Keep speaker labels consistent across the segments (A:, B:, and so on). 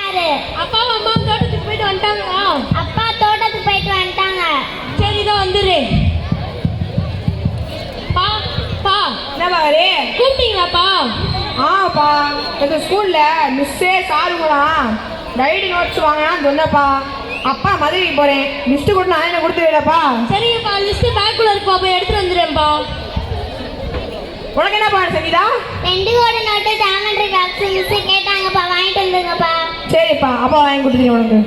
A: அப்பாவும் அம்மா தோட்டத்துக்கு போயிட்டு வந்துட்டாங்களா?
B: அப்பா தோட்டத்துக்கு போயிட்டு வந்துட்டாங்க.
A: சரி தான் வந்துரு. பா பா
C: என்னப்பா ஹரி?
A: கூப்பிட்டீங்களாப்பா?
C: ஆப்பா எங்கள் ஸ்கூலில் மிஸ்ஸே சாருங்களாம் டைரி நோட்ஸ் வாங்கினான்னு சொன்னப்பா. அப்பா மதுரைக்கு போகிறேன், லிஸ்ட்டு கூட நான் என்ன கொடுத்துருவேலப்பா.
A: சரிங்கப்பா, லிஸ்ட்டு பேக்குள்ள இருக்குப்பா, போய் எடுத்துட்டு வந்துடுறேன்ப்பா.
C: உனக்கு என்னப்பா சங்கீதா?
B: 2 கோடி நோட்டு ஜாமெண்ட்ரி பாக்ஸ் மிஸ் கேட்டாங்கப்பா, வாங்கிட்டு வந்துருங்கப்பா.
C: சரிப்பா, அப்பா வாங்கி கொடுத்துருங்க உனக்கு.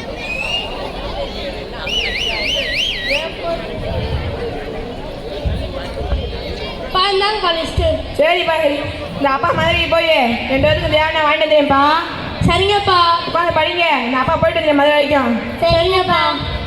A: இந்தாங்கப்பா லிஸ்ட்டு.
C: சரிப்பா ஹரி, இந்த அப்பா மதுரைக்கு போய் 2 பேருக்கு தேவையான வாங்கிட்டு வந்துடுறேன்ப்பா.
A: சரிங்கப்பா.
C: உட்காந்து படிங்க, இந்த அப்பா போயிட்டு வந்துடுறேன் மதுரை வரைக்கும்.
B: சரிங்கப்பா.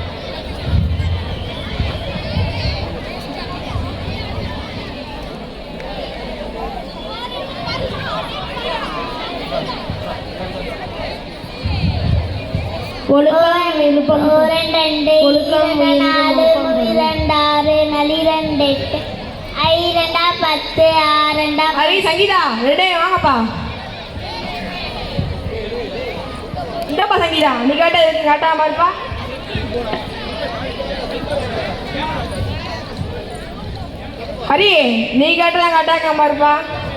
A: ஒழுக்கம் விழுப்பம்
B: 2 2
A: ஒழுக்கம்
B: 4 2 6 4 2 8 5 2 10 6 2
C: ஹரி சங்கீதா 2 வாங்கப்பா. இந்தப்பா சங்கீதா, நீ கேட்ட எதுக்கு காட்டாம இருப்பா? ஹரி, நீ கேட்டதான் காட்டாக்காம இருப்பா.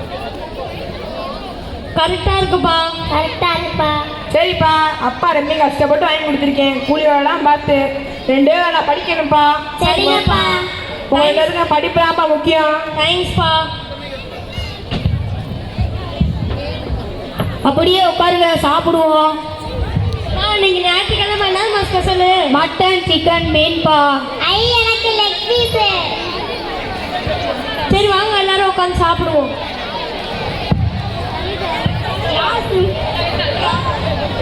A: கரெக்டா இருக்குப்பா.
B: கரெக்டா இருப்பா.
C: சரிப்பா, அப்பா ரொம்ப கஷ்டப்பட்டு வாங்கி கொடுத்துருக்கேன், கூலி வேலைலாம் பார்த்து 2 வேலை படிக்கணும்ப்பா.
B: சரிங்கப்பா.
C: உங்களுக்கு இருக்க படிப்புதான்ப்பா முக்கியம்.
A: தேங்க்ஸ்ப்பா. அப்படியே உட்காருங்க, சாப்பிடுவோம். நீங்க ஞாயிற்றுக்கிழமை என்னமா ஸ்பெஷல்? Mutton chicken மீன்பா.
B: எனக்கு லெக் பீஸ்.
A: சரி வாங்க எல்லாரும் உட்காந்து சாப்பிடுவோம்.